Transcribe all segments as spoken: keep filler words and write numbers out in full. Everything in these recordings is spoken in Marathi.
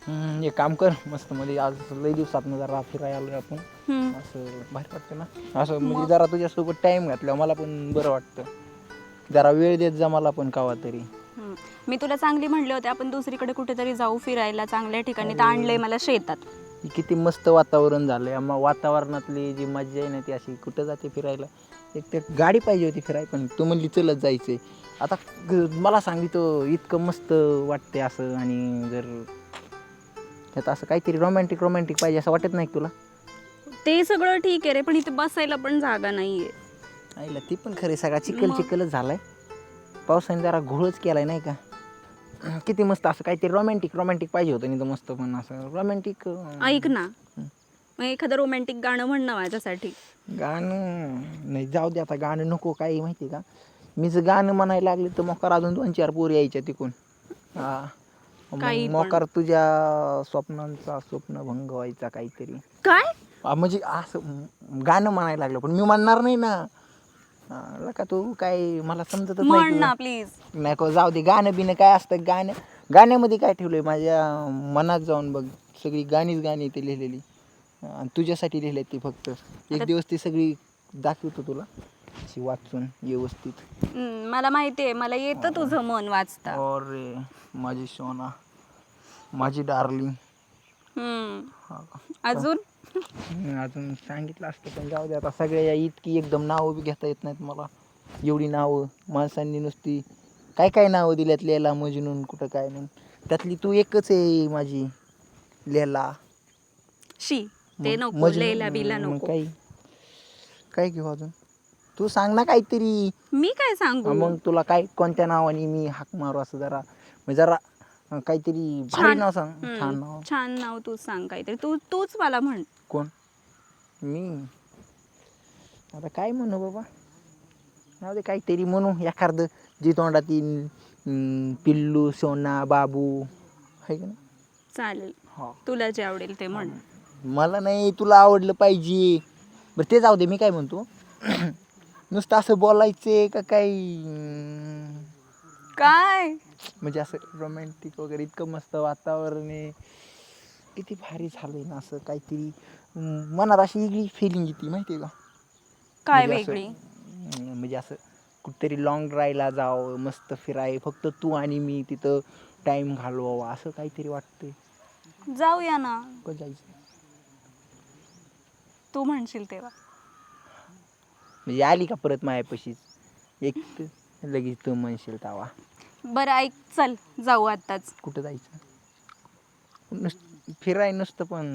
हम्म, एक काम कर मस्त मध्ये आज लई दिवसात जरा फिरायला आलोय आपण हम्म. असं भारी वाटतं ना असं म्हणजे मग जरा तुझ्यासोबत टाइम घातल्यावर मला पण बरं वाटतं जरा वेळ देत जा मला पण कवा तरी. हम्म. मी तुला चांगली म्हणले होते आपण दुसरीकडे कुठेतरी जाऊ फिरायला चांगल्या ठिकाणी, तर अरे आणलंय मला शेतात. किती मस्त वातावरण झालंय मग वातावरणातली जी मजा आहे ना ती अशी कुठं जाते फिरायला. एक तर गाडी पाहिजे होती फिराय पण तू म्हणली चलत जायचंय आता ग- मला सांगितलं इतकं मस्त वाटते असं आणि जर त्यात असं काहीतरी रोमॅन्टिक रोमॅन्टिक पाहिजे असं वाटत नाही का तुला? ते सगळं ठीक आहे रे, पण इथे बसायला पण जागा नाहीये. आईला ती पण खरे सगळा चिखल मग चिखलच झालाय पावसाने जरा घोळच केलाय नाही का. किती मस्त असं काहीतरी रोमॅन्टिक रोमॅन्टिक पाहिजे होतं नाही तर मस्त पण असं रोमॅन्टिक ऐक ना, मग एखादं रोमॅन्टिक गाणं म्हण ना माझ्यासाठी. गाणं नाही जाऊ दे आता गाणं नको काही माहिती का मी जर गाणं म्हणायला लागले तर मोकार अजून दोन चार पोरी यायच्या तिकून हा मग काही पण. मोकार तुझ्या स्वप्नांचा स्वप्नभंग व्हायचा काहीतरी. काय? हा, म्हणजे असं गाणं म्हणायला लागलं पण मी म्हणणार नाही ना. हा, का तू काय मला समजतच नाही म्हण तुझं. ना प्लीज. नाही को जाऊ दे गाणं बिणं काय असतं गाणं गाण्यामध्ये काय ठेवलंय माझ्या मनात जाऊन बघ सगळी गाणीच गाणी ते लिहिलेली आणि तुझ्यासाठी लिहिली ती फक्त आता एक दिवस ती सगळी दाखवतो तुला अशी वाचून व्यवस्थित. हम्म, मला माहिती आहे, मला येतं तुझं मन वाचता. अरे माझी सोना माझी डार्लिंग. हम्म. अजून अजून सांगितलं असतं पण जाऊ दे आता सगळ्या इतकी एकदम नावं बी घेता येत नाहीत मला एवढी नावं माणसांनी नुसती काय काय नावं दिल्यात लैला मजनून कुठं काय म्हणून त्यातली तू एकच आहे माझी लैला. शी ते मग नको, लैला बिला मजनू मग नको. काही काय घेऊ अजून तू सांग ना काहीतरी. मी काय हा, सांगू? मग तुला काय कोणत्या नावाने मी हाक मारू असं जरा म्हणजे जरा काहीतरी भारी छान. नाव सांग हम्म, छान नाव. छान नाव तू सांग काहीतरी, तू तूच मला म्हण. कोण मी आता काय म्हणू बाबा जाऊ दे काहीतरी म्हणू एखादं जी तोंडात येईल पिल्लू सोना बाबू आहे का ना. चालेल, हा तुला जे आवडेल ते म्हण. मला नाही तुला आवडलं पाहिजे. बरं ते जाऊ दे मी काय म्हणतो नुसतं असं बोलायचे का काही काय? म्हणजे असं रोमॅन्टिक वगैरे इतकं मस्त वातावरण आहे किती भारी झालंय ना असं काहीतरी मनात अशी वेगळी फिलिंग येते माहिती आहे का. काय म्हणजे असं वेगळी? म्हणजे असं कुठेतरी लॉंग ड्राईव्हला जावं मस्त फिराय फक्त तू आणि मी तिथं टाईम घालवावा असं काहीतरी वाटतंय. जाऊया ना. कधी जायचं तू म्हणशील तेव्हा. म्हणजे आली का परत मायापाशीच एक तर लगेच तू म्हणशील तवा. बरं ऐक, चल जाऊ आत्ताच. कुठं जायचं नुस फिराय नुसतं पण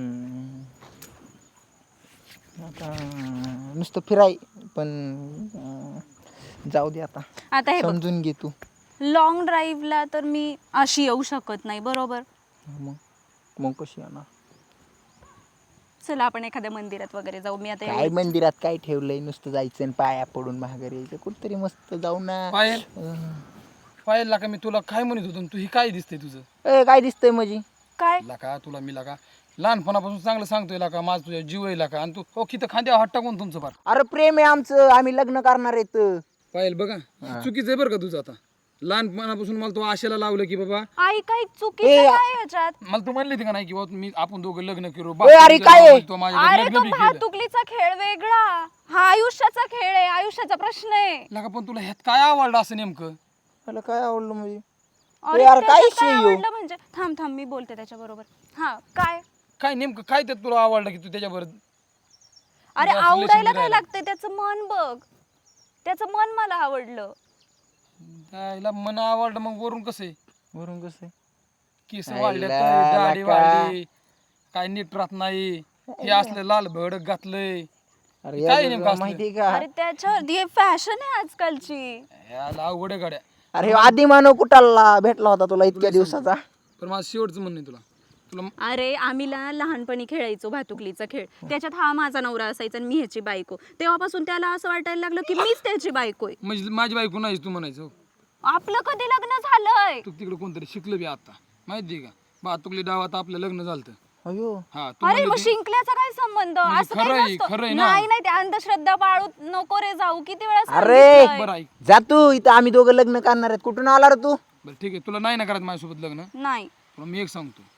आता नुसतं फिराय पण जाऊ दे आता आता हे बघ, समजून घे तू. लॉंग ड्राईव्हला तर मी अशी येऊ शकत नाही बरोबर. मग मग कशी येणार. चला आपण एखाद्या मंदिरात वगैरे जाऊ. मी आता काय एवढी मंदिरात काय ठेवलंय नुसतं जायचं आणि पाया पडून महागारी यायचं कुठतरी मस्त जाऊ ना. पायल अं, पायल का मी तुला काय म्हणत होतो तू ही काय दिसतंय तुझं. ए काय दिसतंय माझी काय? लाका तुला मी लाका लहानपणापासून चांगलं सांगतोय लाका माझं तुझ्या जीव आहे लाका आणि तू हो किती खांद्या हात टाकून तुमचं फार. अरे प्रेम आहे आमचं आम्ही लग्न करणार आहेत. पायल बघा चुकीचं आहे बरं का तुझं आता. लहानपणापासून मला तो आशेला लावलं की बाबा आई काही चुकीचं काय याच्यात? मला तू म्हणली होती का नाही की बाबा मी आपण दोघं लग्न करू ए, अरे काय आहे? तो माझ्याकडे अरे लग्न तो बी केलं. भातुकलीचा खेळ वेगळा, हा आयुष्याचा खेळ आहे, आयुष्याचा प्रश्न आहे. लाका पण तुला ह्यात काय आवडलं असं नेमकं. मला काय आवडलं म्हणजे अरे यार, काय त्याच्यात काय issue आहे? आवडलं म्हणजे थांब थांब मी बोलते त्याच्या बरोबर. हा काय? काय नेमकं काय त्यात तुला आवडलं की तू त्याच्यावर अरे तुला आवडायला relation काय राहिलं. लागतंय, त्याचं मन बघ, त्याचं मन मला आवडलं. त्याला मन आवडलं मग वरून कसं आहे वरून कसं आहे? केस आयला, वाढले दाढी लाका. वाढली काय नीट राहत नाही हे असलं लाल भडक घातलंय. अरे हे काय यार, नेमकं तुला असलं? माहिती आहे का अरे त्याच्यावर ही फॅशन आहे आजकालची. याला अवघड आहे गाड्या. अरे आधी मानव कुठाला भेटला होता तुला इतक्या दिवसाचा. पण माझं शेवटचं म्हणणं आहे तुला तुला अरे आम्ही ला- लहानपणी खेळायचो भातुकलीचा खेळ, त्याच्यात हा माझा नवरा असायचा आणि मी ह्याची बायको. तेव्हापासून त्याला असं वाटायला लागलं की मीच त्याची बायको आहे. म्हणजे माझी बायको नाही तू म्हणायचं. आपलं कधी लग्न झालंय? तू तिकडे कोणतरी शिकलं बी आता माहिती आहे का भातुकली डावात आपलं लग्न झालं. अयो हा तू अरे म्हणली मग होती- शिंकल्याचा काय संबंध? म्हणजे असं काही खरं आहे, नसतं. खरं आहे ना. नाही नाही, ते अंधश्रद्धा पाळू नको रे जाऊ. किती वेळा अरे सांगितलंय. बरं ऐक जा तू इथं आम्ही दोघं लग्न करणार आहेत कुठून आला रे तू. बरं ठीक आहे तुला नाही ना करायचं माझ्यासोबत लग्न. नाही. तुला मी एक सांगतो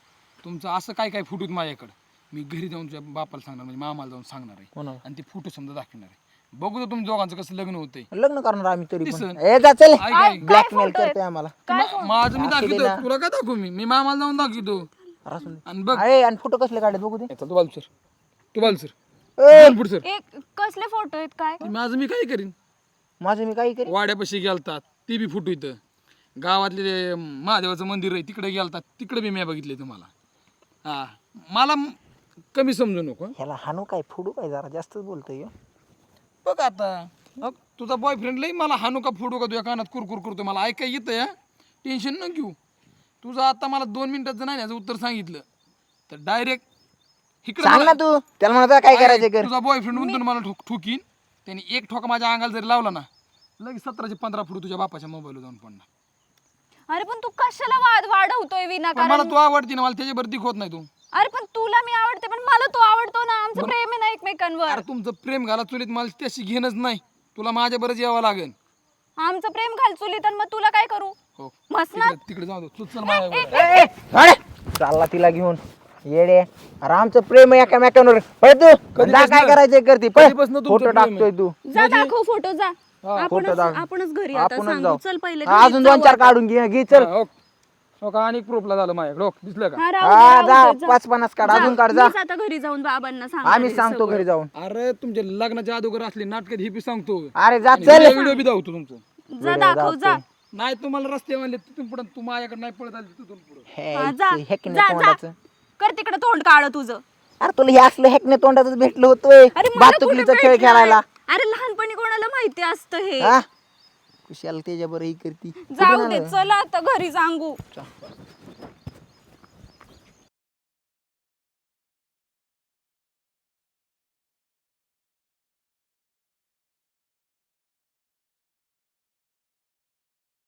तुमचं असं काय काय फुटूत माझ्याकडे मी घरी जाऊन तुझ्या बापाला सांगणार म्हणजे मामाला जाऊन सांगणार आहे कोणाला? आणि ते फोटो समजा दाखवणार आहे. बघू तर तुमच्या दोघांचं कसं लग्न होतंय. लग्न करणार आम्ही तरी पण दिसन. ए जा चल ऐक, ऐक. ब्लॅकमेल करतोय आम्हाला मा- माझं मी असू दे दाखवतो ना. तुला काय दाखवू मी मी मामाला जाऊन दाखवतो असून दे. आणि बघ अरे आणि फोटो कसले काढत बघू दे चल, तू बाजू सर तू बाजू सर ए, बोल पुढं सर. एक कसले फोटो आहेत काय ते माझं मी काय करीन माझं मी काही करी वाड्यापाशी गेलतात ते बी फुटू इथं गावातले ते महादेवाचं मंदिर आहे तिकडे गेलतात तिकडे बी मी बघितले तुम्हाला हा मला म- कमी समजू नको हं. ह्याला हानू काय फोडू काय जरा जास्तच बोलतोय ह्यो. बघ आता अग, तुझा बॉयफ्रेंड लई मला हानू का फोडू का तुझ्या कानात कुरकुर करतो मला ऐकाय येतं या टेन्शन न घेऊ तुझं आता मला दोन मिनिटाचं नाही याचं उत्तर सांगितलं तर डायरेक्ट इकडे सांग ना तू त्याला म्हणा काय करायचं कर तुझा बॉयफ्रेंड म्हणतो ना मला ठोक ठोकीन त्याने एक ठोका माझ्या अंगाला जरी लावला ना लगेच सतराशे पंधरा फुट तुझ्या बापाच्या मोबाईलवर जाऊन पडणार. अरे पण तू कशाला वाद वाढवतोय पण विनाकारण मला तू आवडती ना मला त्याच्यावर दिख होत नाही तू अरे पण तुला मी आवडते पण मला तू आवडतो ना आमचं प्रेम आहे ना एकमेकांवर अरे तुमचं प्रेम घाला चुलीत मला त्याशी घेणंच नाही तुला माझ्या बरंच यावं लागेल. आमचं प्रेम घाल चुली तर मग तुला काय करू हो मस्त ना तिकडे तिकडे जाऊ दे तू चल माझ्या बरोबर. ए, ए, अरे, चालला तिला घेऊन येडे अरे आमचं प्रेम आहे एकामेकांवर पळ तू कधी जा काय बसलं? करायचंय करते कधी बसलं तुमचं फोटो प्रेम आहे? टाकतोय तू जा दाखव फोटो जा फोटो आपणच दाखव. आपणच घरी आता आपणच सांगू जाऊ चल पहिले हा, घरी अजून जाऊ दोन चार आता. काढून घे घे चल हा, हो. हो का आणि प्रूफला झालं माझ्याकडे हो, दिसलं का हा, राहू दे, हा राहू जा दे, जा. पाच पन्नास काढ जा, अजून काढ जा मीच आता घरी जाऊन बाबांना सांग आम्ही सांगतो घरी जाऊन अरे तुमच्या लग्नाच्या अगोदर असली नाटकात ही बी सांगतो अरे जा चल व्हिडिओ बी दाखवतो तुमचं जा दाखव जा नाही तुम्हाला रस्ते म्हणले तिथून पुढे तू माझ्याकडे नाही पळत आली तिथून पुढे हे, हा, जा हेकणे जा जा तोंडाचं कर तिकडे तोंड काढ तुझं अरे तुला हे असलं हेकणे तोंडाचं भेटलं होतोय अरे मला बातुकलीचा कुठं खेळ भेटलंय? खेळायला अरे लहानपणी कोणाला माहिती असतं हे हा कुशाल त्याच्या बरं ही करती जाऊ दे चला आता घरी सांगू